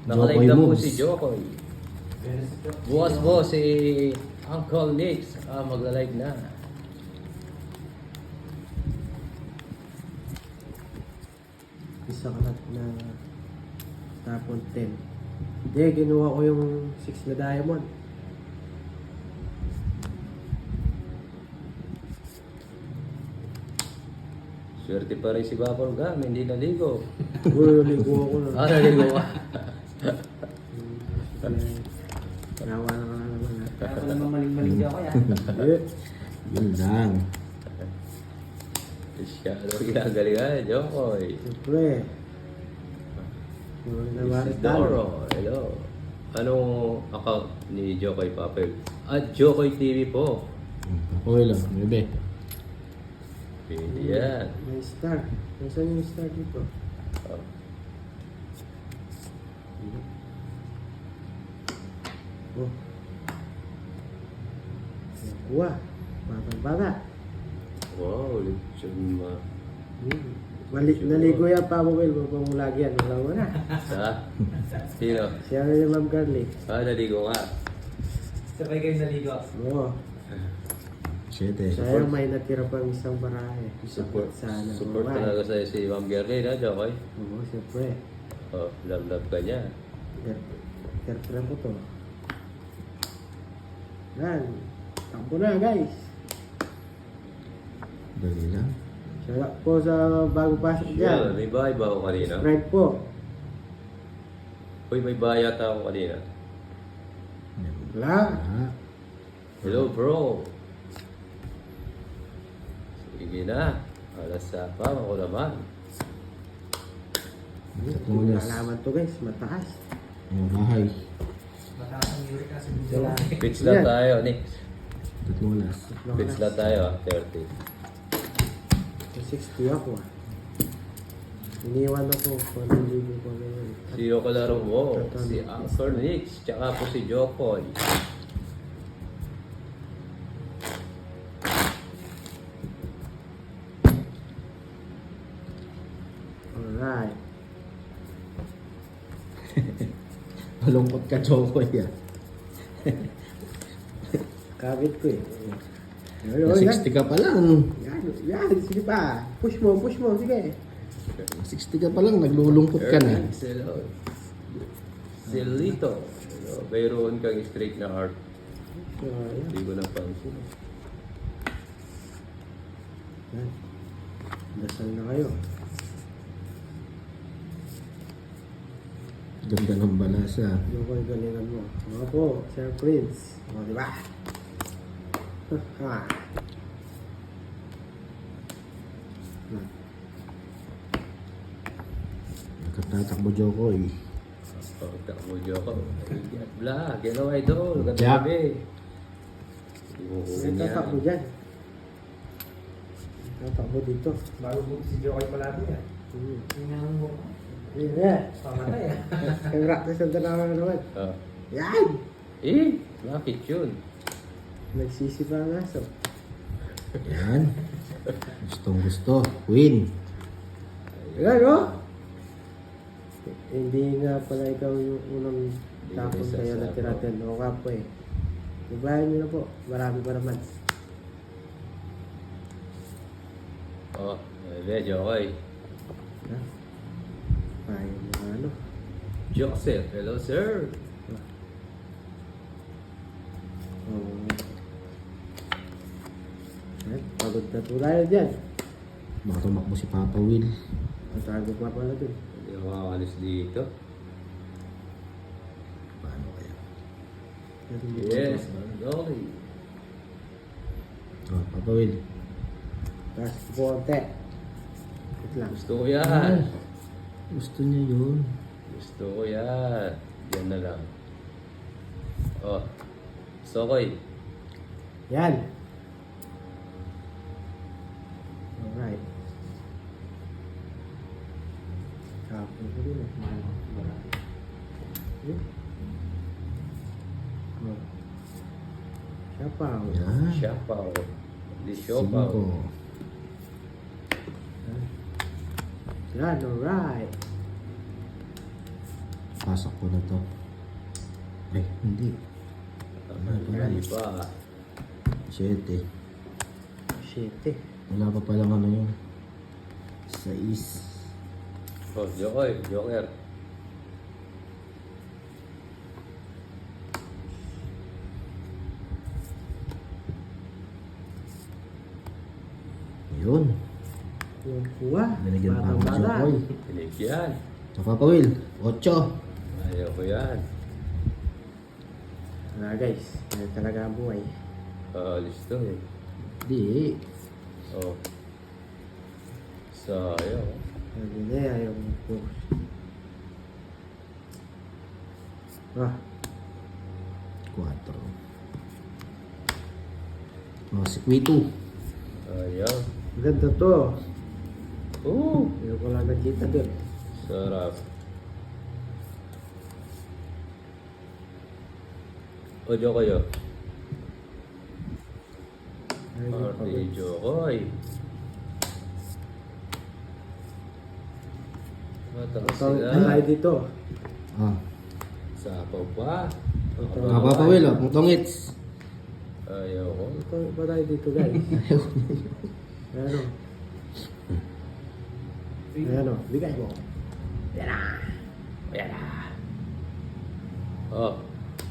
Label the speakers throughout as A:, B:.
A: Nakalive na po
B: moves.
A: si Jokoy. Bukas po si Uncle Nix magla-live na.
C: Isa kalat na tapon 10. Hindi, ginawa ko yung 6 na diamond.
A: Swerte pa rin si Bapor Gam, hindi naligo.
C: Uy, ligo ako na.
A: Naligo ka.
C: Nawa na ka naman ha.
D: Kaya ko naman maling-maling siya ako yan.
C: Hindi.
B: Yun lang.
A: Siya, ano ginagalingan, Jokoy?
C: Siyempre.
A: Isidoro, hello. Anong account ni Jokoy Papel? At Jokoy TV po.
B: Okay lang, bebe.
A: Pwede yan.
C: May star. Nasaan yung star dito?
A: Oh.
C: Oh. Kuha. Bata-bata.
A: Wow, lechon ma.
C: Naligo yan pa mo, Will. Huwag mong lagi yan. Wala mo na.
A: Sa? Sino?
C: Siya na yung Ma'am Carly.
A: Naligo nga.
D: Sabay kayo naligo.
C: Oo.
B: 7.
C: Sayang may natira pang isang barahe.
A: Support,
C: Sana.
A: support talaga sa'yo si Ma'am Gerly na, Jokoy.
C: Oo, siyempre.
A: Oh, love ka niya.
C: Girlfriend ko to. Yan. Takbo na, guys.
B: Dali lang.
C: Shout po sa bago pasok
A: Yeah,
C: dyan.
A: may bahay ba ako kanina?
C: Subscribe po.
A: Uy, may bahay yata ako kanina.
C: Wala.
B: Ah,
A: Hello, bro. Sige na. Alas pa ako naman.
B: tatlong oras.
C: Alaman to, guys. Mataas.
B: Ang bahay.
D: Mataas ang uric acid dito.
C: Wala.
A: Pitch lang
C: Yan.
A: tayo, Nick.
B: Tatlong oras.
A: Pitch lang tayo, 30.
C: 60 ako ah. Iniwan ako. Paniligo ko ngayon.
A: Sino kalaro mo? Si Uncle Nick, tsaka po si Jokoy.
C: Alright.
B: Malungkot ka, Jokoy ah.
C: Kabit ko eh.
B: Na 60 ka pa lang.
C: Yan, yan. Sige pa. Push mo, sige.
B: 60 ka pa lang, naglulungkot ka na.
A: Hello. Si Lito. Hello. Mayroon kang straight na heart.
C: So, yan.
A: Hindi ko napansin.
C: Yan. Dasal na kayo.
B: Ganda ng balasa.
C: Yung ko galingan mo. Mga po, Sir Prince. O, di ba? Ha.
B: Nagkatatakbo, Jokoy.
A: Pagtak mo, Jokoy. Vlog, hello idol. Ganda
B: Jack.
A: gabi. Hindi mo kunin
C: Tatakbo
A: yan.
C: dyan. Tatakbo dito.
D: Bago buti si Jokoy palagi yan. Tingnan mo.
C: Yan.
D: Pamatay ah.
C: Kaya practice ang dalawa naman.
A: Ah.
C: Yan!
A: Eh, bakit yun?
C: Nagsisi pa ang aso.
B: Yan. Gustong gusto. Win.
C: Yan, no? Hindi nga pala ikaw yung unang tapon
A: Isa
C: kayo
A: sa
C: na tiratin. O ka po eh. Ibahin nyo na po. Marami pa naman.
A: Oh, may Jokoy.
C: Ha? Pahin mo ano.
A: Joseph, hello sir.
C: Oh. Yan. Pagod na po tayo dyan.
B: Baka tumakbo si Papa Will.
C: Matago pa pala dun.
A: Hindi ako makakalis dito.
B: Paano kaya?
A: Yes, Dolly.
B: Oh, Papa Will.
C: Tapos konti. Wait lang.
A: Gusto ko yan.
B: Gusto niya yun.
A: Gusto ko yan. Yan na lang. Oh, Sokoy.
C: Yan. Alright. Kapon ko rin eh. Oh. Siyapaw.
B: Yan.
A: Siapaw. Di siopaw.
B: 5.
C: Yan, alright.
B: Pasok ko na to. Ay, hindi.
A: Hindi pa.
B: 7.
C: 7.
B: Wala pa palang ano yun. 6.
A: Oh, Jokoy, Joker.
B: Yun.
C: Yung kuha.
B: Binigyan pa ako ng
C: Batang-bata.
B: Jokoy.
A: Binigyan.
B: So, Papa Will, 8.
A: Ayaw ko yan.
C: Guys, yan talaga ang buhay.
A: Alis to eh.
B: Di.
A: Oh. Sayang.
C: Sabi niya, yung push. Ah,
B: 4. Oh, si Quito.
A: Ayaw.
C: ganda to.
A: Oh,
C: Hindi ko lang nakita dun.
A: sarap. O, Jokoy, oh.
C: Ay,
A: Party Jokoy. Mataas
C: ito,
A: sila.
C: ay dito.
B: Ah.
A: Sapaw pa.
C: Ito.
B: Ah, Papa Will, oh, putongits.
A: Ayaw ko.
C: Ito, ba tayo dito guys? Ayan o. Ayan o, bigay mo. Yan na.
A: Ayan na. Oh,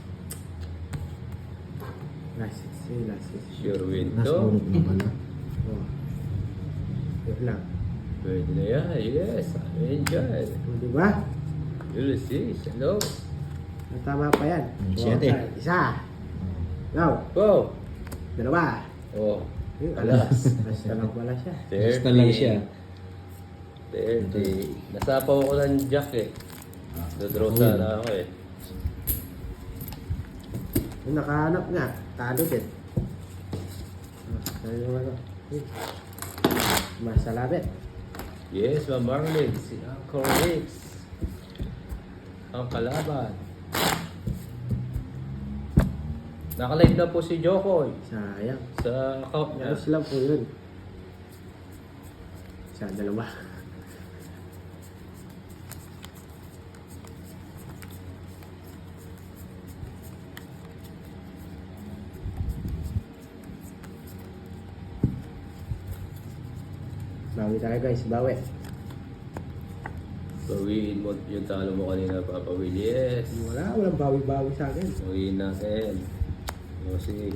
C: Last 6, last 6.
A: sure win
B: Last
A: to.
B: bonus na pala.
C: Oh. Yun lang.
A: Pwede na yan. Yes, I enjoy.
C: O, diba?
A: Ulysses, hello.
C: Tama pa yan.
B: 7.
C: Isa. Go.
A: Go.
C: Dalawa.
A: Oh,
C: Ayun,
A: alas.
C: Basta lang pala siya.
A: 30.
B: Basta lang siya.
A: 30. Nasapaw ko ng jack eh. Dodraw sana ako eh.
C: Yung nakahanap nga. Talo din. Ano yung ano? Masalabit.
A: Yes, Ma'am Marlene, si Uncle Rix. Ang kalaban. Nakalive na po si Jokoy
C: Sayang.
A: sa account niya.
C: Ayos lang po yun. Isa, dalawa. Bawi tayo guys, bawi.
A: Bawiin mo yung talo mo kanina, Papa Will. Yes.
C: Walang bawi-bawi sa akin.
A: Bawiin natin. O sige.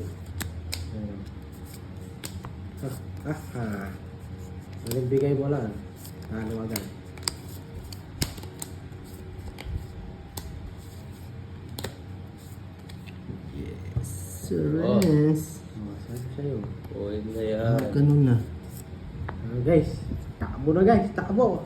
C: Magbigay mo lang. Ano agad.
B: Surrens.
C: Sabi sa'yo.
A: Buhin na yan.
B: Ah, ganun na.
C: Guys, takbo na guys, takbo.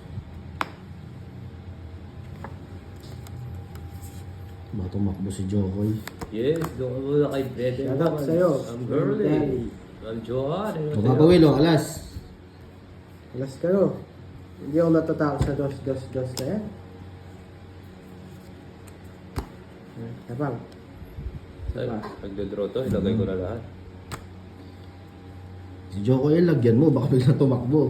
B: Baka tumakbo si Jokoy.
A: Yes, doon ka muna kay Brede.
C: Shout out sa'yo.
A: I'm Burley.
C: Daddy.
A: I'm Johan.
B: So, Papa Will, oh, alas.
C: Alas kayo. Hindi ako natatakot sa dos na yan. Tapang.
A: Nagdodraw to, ilagay ko na lahat.
B: Si Jokoy, lagyan mo. Baka bigla tumakbo.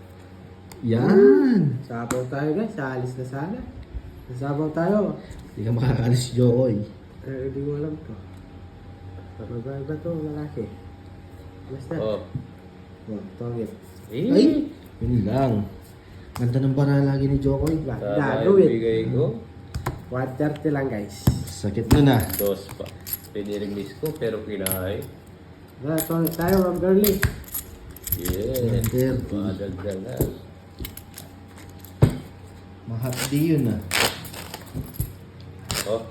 B: Yan.
C: Sabaw tayo guys, alis na sana. Sabaw tayo.
B: Hindi ka makakaalis si Jokoy.
C: Hindi ko alam to. Magbaga to, lalaki. Basta.
A: Oh.
C: Tongit.
A: Eh.
B: Ay! Yun lang. Ganda ng bara lagi ni Jokoy.
A: Tama
C: Gagawin.
A: yung bigay ko.
C: 130 lang guys.
B: Sakit na na.
A: Dos pa. Piniriglis ko pero kinahay.
C: Tongit tayo, Ma'am Girlie.
A: Yes.
B: 130.
A: Madagdag na.
B: Mahapdi yun ah.
A: Oh.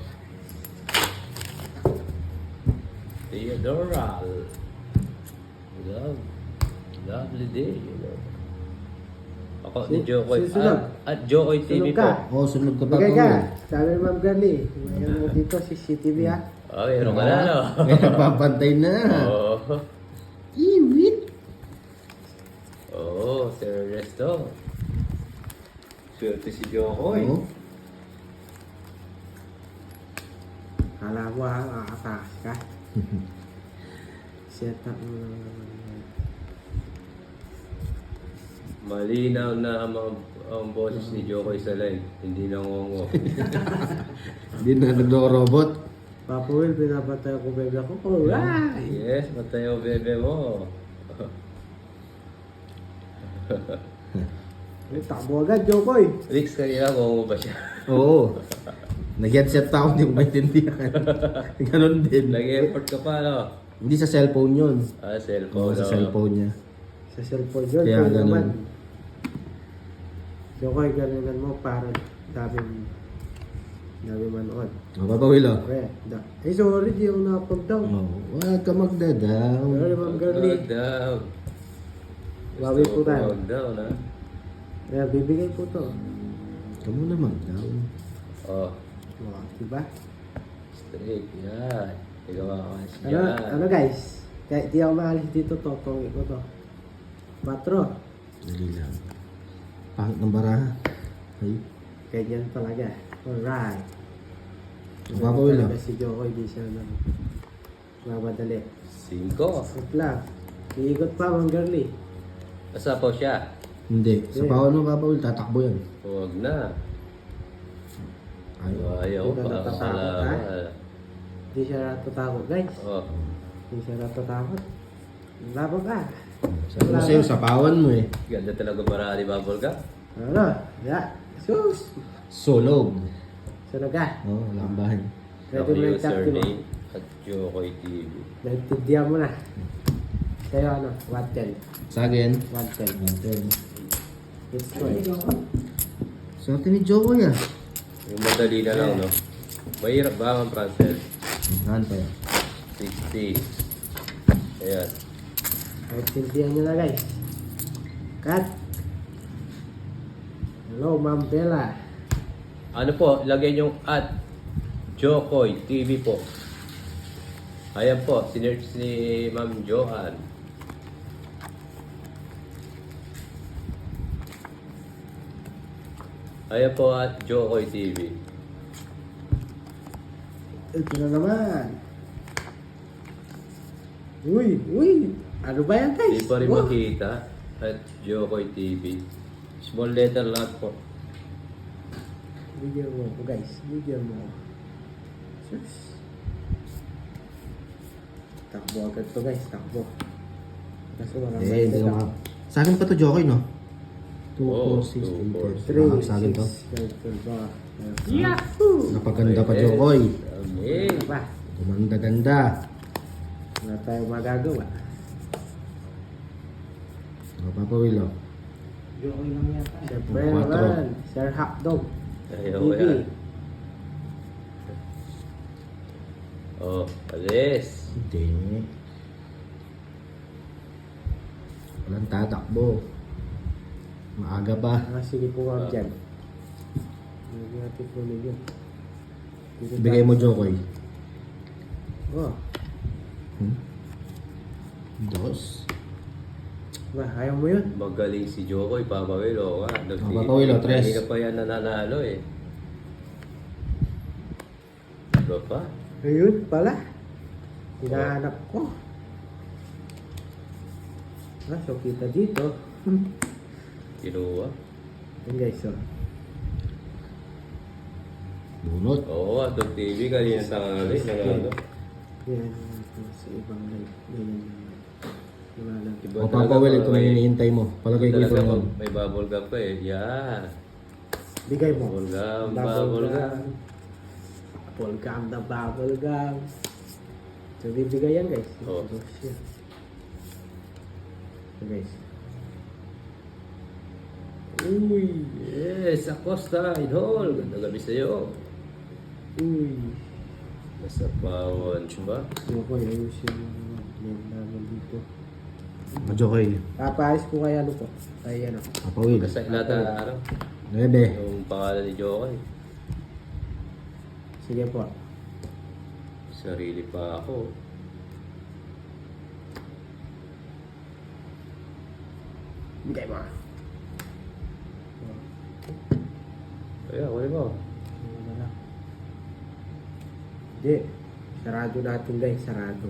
A: Theodora. Lovely day, you know. Ako ni Jokoy.
C: Susunod.
A: At Jokoy TV
C: Sunog ka.
A: po.
B: Oh, sunod ka pa
C: Bigay
B: Papa
C: ka.
B: Will.
C: Sabi ni Ma'am Girlie. Mayroon mo dito CCTV ha.
A: Oh, meron ka na, no?
B: May nagpapantay na.
A: Oh.
B: Iwit.
A: Oh, Sir Resto. Swerte si Jokoy.
B: Oh.
C: Kala mo ha, makakatakas ka. Set up mo naman.
A: Malinaw na ang boses ni Jokoy sa live. Hindi nangongo.
B: Hindi na nagro-robot.
C: Papa Will, pinapatay ako bebe ko. Alright!
A: Yes, matayo bebe mo.
C: Ay, takbo agad, Jokoy.
A: Rix, kanina ngongo ba siya?
B: Oo. Nag-headset pa ako, hindi ko maintindihan. Ganon din.
A: Nag-effort ka pa, no?
B: Hindi sa cellphone yun.
A: Ah,
B: Oo,
A: cellphone.
B: sa
A: no?
B: cellphone niya.
C: Sa cellphone yun,
B: Kaya
C: kaya
B: ganun.
C: naman. Jokoy, galingan mo para daming manood.
B: Mapapawilo.
C: Eh, sorry, di ako nakapag-down.
B: Oo. Huwag ka magdadaw.
C: Sorry, Ma'am Girlie.
A: Huwag down.
C: Bawi po tayo.
A: Huwag down, ha?
C: Kaya bibigay po to.
B: Ikaw muna magdaw.
A: Oh,
C: Oh, diba?
A: straight. Yan. Ikaw makakas
C: Ano,
A: yan.
C: ano guys? Kaya di ako maalis dito, totong ko to. 4.
B: Dali lang. Pangit ng baraha. Ay.
C: Ganyan talaga. Alright.
B: Mapapawilo.
C: Talaga si Jokoy, di siya nang mamadali.
A: 5.
C: Wait lang. Iikot pa, Ma'am Girlie.
A: Asa po siya?
B: Hindi. Sa bawal mo papawil, tatakbo yan.
A: Huwag na.
B: Ay.
A: Ayaw
C: Hindi ka
A: pa.
C: natatakot, ha? Di siya natatakot, guys.
A: Oh,
C: Di siya natatakot. Laban ka.
B: Sabi ko sa'yo, sapawan mo eh.
A: ganda talaga para ni Bubble ka.
C: Ano? Ya. Sus.
B: Solog.
C: Sunod ka.
B: Oo, lambahan.
C: Pwede
A: Ako
C: mo yung
A: username at Jokoy TV.
C: Naintindihan mo na. Sa'yo ano? 110.
B: Sa akin.
C: 110.
B: Natin.
C: It's choice.
B: Sa atin ni Jokoy ah.
A: Yung madali na lang, no? Mahirap ba ang Francel?
B: Saan pa yan?
A: 60. Ayan.
C: Naintindihan nyo na guys. Cut. Hello, Ma'am Bella.
A: Ano po, lagay yung at Jokoy TV po. Ayan po, sinerch ni Ma'am Johan. Ayan po at Jokoy TV.
C: Ito na naman. Uy, uy. Ano ba yan guys?
A: Hindi pa rin
C: Oh.
A: makita at Jokoy TV. Small letter lang po.
C: Bigyan mo ako guys. Bigyan mo ako. Sus. Takbo agad to guys. Takbo. Kasi walang
B: Eh, hindi naman. Sa akin pa to Jokoy no? 2,
A: Oo,
B: 4, 6,
A: 2, 4,
B: 8, 10. Sa akin to.
C: 3, 6, 7, 8. Yahoo!
B: Napaganda pa Jokoy.
A: Amen.
C: Ano ba?
B: Gumanda-ganda.
C: Wala tayong magagawa.
B: Mapapawil oh.
D: Jokoy lang yata.
C: Siyempre
B: Quatro.
C: naman. Sir Hotdog.
A: Ayaw ko yan. Oh, alis.
B: Hindi. Walang tatakbo. Maaga pa.
C: Ah, sige po ma'am dyan. Hindi natin kunin yun. Dito
B: Bigay
C: tayo.
B: mo Jokoy.
C: Oh,
B: Dos.
C: ba, ayaw mo yun?
A: Magaling si Jokoy, Papawilo ka.
B: Papawilo, tres.
A: Hindi ka pa yan nananalo eh. Iba pa?
C: Ayun pala. Hinahanap ko. Ah, so kita dito.
A: Kinuha.
C: Yan guys, oh.
B: Bunot.
A: Oo, atong TV kanina tangali. Nanalo.
C: Yan, ito sa ibang live. Ganyan yung wala lang.
A: Iba
B: O papawil ito na
A: may-
B: hinihintay mo. Palagay ko ito
A: talaga
B: naman.
A: may bubble gum pa eh. Yan.
C: Bigay mo.
A: Bubble gum,
C: Bubble
A: bubble
C: gum.
A: gum.
C: Bubble gum na bubble gum. So, bibigay yan guys.
A: Oo.
C: Siya. So, guys.
A: Uy, yes, Acosta, Idol. Ganda gabi sa'yo.
C: Uy.
A: Nasa pawon, ba?
C: Ako, ayusin mo naman. Yan naman dito.
B: O Jokoy.
C: Papaalis ko kay ano po. Kay ano.
B: Papawil.
A: Kasi lahat na araw.
B: 9.
A: Yung pangalan ni Jokoy.
C: Sige po.
A: Sarili pa ako.
C: Bigay mo.
A: Kaya, kunin mo.
C: Ano na lang. Hindi. Sarado natin guys. Sarado.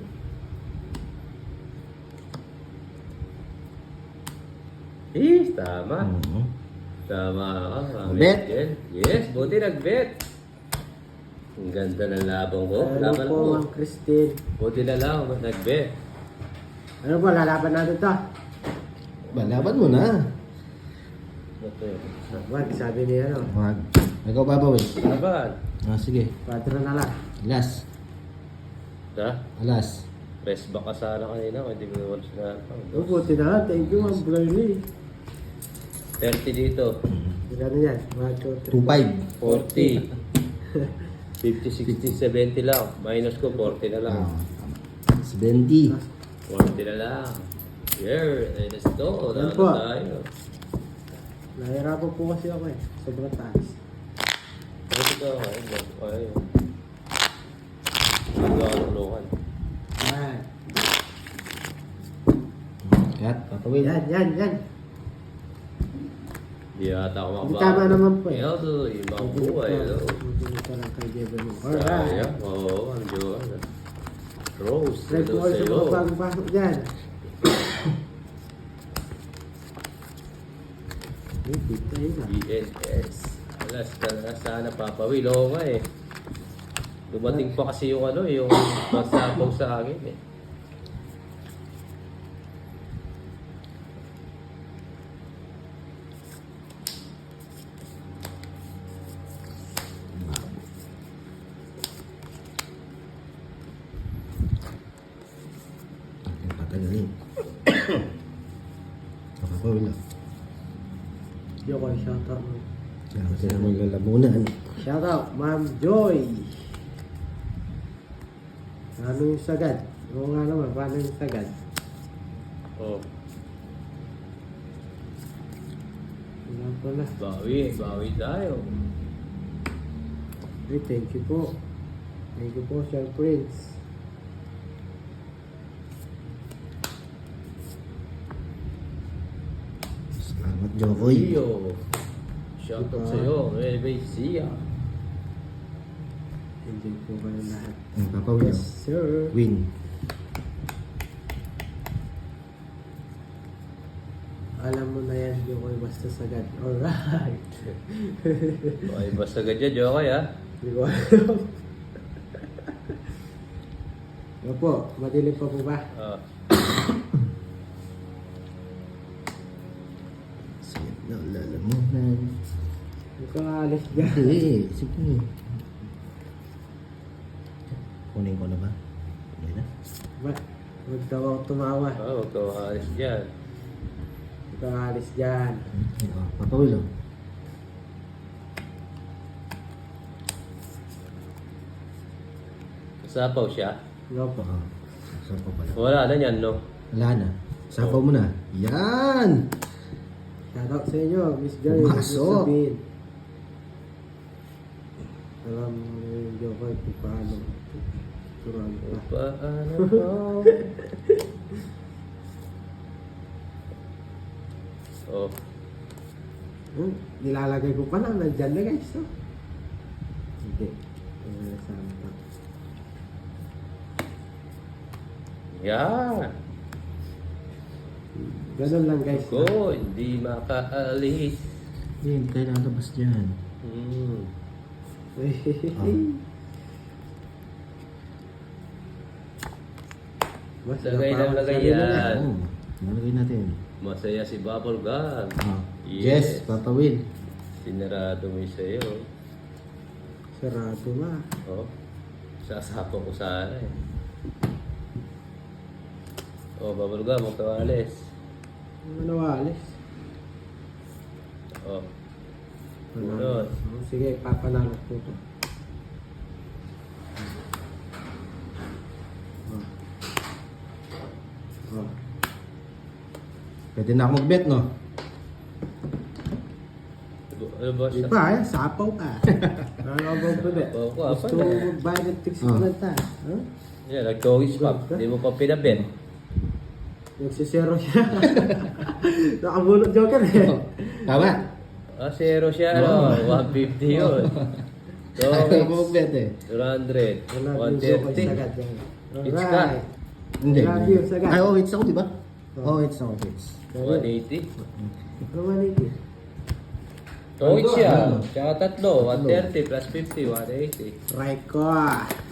A: Tama.
B: Mhm.
A: Tama ka. Mami
B: Bet.
A: Angel. Yes, buti nag-bet. Ang ganda ng labang ko.
C: Ano
A: Laban
C: po,
A: ko.
C: Ma'am Christine?
A: Buti na lang, nag-bet.
C: Ano po, lalaban natin to?
B: Laban mo na.
A: Ito yun.
C: Wag, sabi niya ano.
B: Wag. Ikaw babawin.
A: Laban.
B: Sige.
C: 4 na lang.
B: Last.
A: Ha?
B: Alas.
A: Press back ka sana kanina kung hindi mo naman sinabi.
C: Oh, buti na. Thank you, Ma'am Burley.
A: 30 dito.
C: Magkano yan? 1, 2, 3.
B: 2.5.
A: 40. 50, 60, 70 lang. Minus ko, 40 na lang.
B: 70.
A: 40 na lang. Here, let's go.
C: Yan
A: Ano
C: po.
A: tayo?
C: Nahirapan po kasi ako eh. Sobrang taas.
A: Ito ka. Ayun. Ano ka tulungan?
C: Yan.
B: Cut. Papawin.
C: Yan.
A: Di ata ako
C: Hindi
A: makabago.
C: tama naman po eh.
A: Ito, ibang buhay.
C: Buti ka lang kay Jebel mo. Alright.
A: Sayang. Oo, ang Diyos. Rose.
C: Try
A: Hello
C: po kayo sa
A: sa'yo.
C: mga bagong pasok dyan. Dito yun ah.
A: BNS. Alas ka na sana papawil. Oo nga eh. Dumating pa kasi yung ano, yung pasapaw sa akin eh.
B: Ating patagalin. Papawin lang.
C: Yo ko, shoutout mo.
B: Kaya kasi na maglalamunan.
C: Shoutout, Ma'am Joy. Ano yung sagad? Oo nga naman, paano yung sagad?
A: Oh,
C: Wala pala.
A: bawi tayo.
C: Hey, thank you po. Thank you po, Sir Prince.
B: Salamat, Jokoy.
A: Iyo. Shoutout sa'yo. Elevate siya.
C: Enjoy po kayo lahat.
B: Papawin
C: Yes,
B: lang.
C: sir.
B: Win.
C: Alam mo na yan, yung ko'y basta sagad. Alright.
A: Okay, basta ganyan, Jokoy ha.
C: Hindi ko alam. Ano po, madilim pa po ba?
A: Ah,
B: Sige na, lalamunan.
C: Hindi ko alis dyan.
B: Hindi, sige. Kunin ko na ba? Kunin na.
C: Ba? Huwag daw ako tumawa.
A: huwag ka makalis dyan.
C: Huwag ka alis dyan.
B: Papawin lang.
A: Sapaw siya.
C: Ano po?
B: Saan pa pala?
A: Wala na yan, no?
B: Wala na. Sapaw mo na. Yan!
C: Shoutout sa inyo, Miss Joy.
B: Pumasok.
C: Alam mo yung Jokoy kung paano turuan pa.
A: Paano mo? Oh,
C: Nilalagay ko pa lang, nandyan na guys. Oh. Hindi. Sama pa.
A: yan.
C: Ganun lang guys.
A: Ko, hindi makaalis.
B: Hindi tayo lalabas dyan.
C: Mas
A: Lagay
C: napawag
A: lang, lagay
C: sarili
A: yan.
C: na.
B: Oo. Nalagay natin.
A: Masaya si Bubble Gum.
B: Yes, papawin.
A: Sinarado mo yung sa'yo.
C: Sarado na.
A: Oh, sasapo ko sana eh. Oh, Bubble Gum, huwag ka alis.
C: Ano alis?
A: Oh,
C: Panalo. Sige, papanalo ko ito. Oh.
B: Pwede na ako mag-bet, no?
A: ano ba
C: Di
A: siya?
C: ba, sapaw ka. Ano ba ito ba?
A: Sapaw ko,
C: Gusto
A: apa
C: mo
A: na?
C: magbayad ng tics
B: Oh.
C: na ta? Huh?
A: Yan, nag-toys pa. Hindi mo pa pinabit.
C: Nagsisero siya. Nakabunot joker eh.
B: Tama?
A: Ah, zero siya, no? 150 yun.
B: Ayaw mo
A: So,
B: mag-bet eh.
A: 200,
C: Wala yung joker
A: 130.
C: sagad yan.
A: It's
C: Alright.
B: Hindi.
C: Love you, sagad.
B: Ay, oh, it's ako, di ba? Oh, it's no hits.
A: 180.
C: Ano 180?
A: Oh, it's siya. Tsaka tatlo. 130 plus 50, 180.
C: Try ko.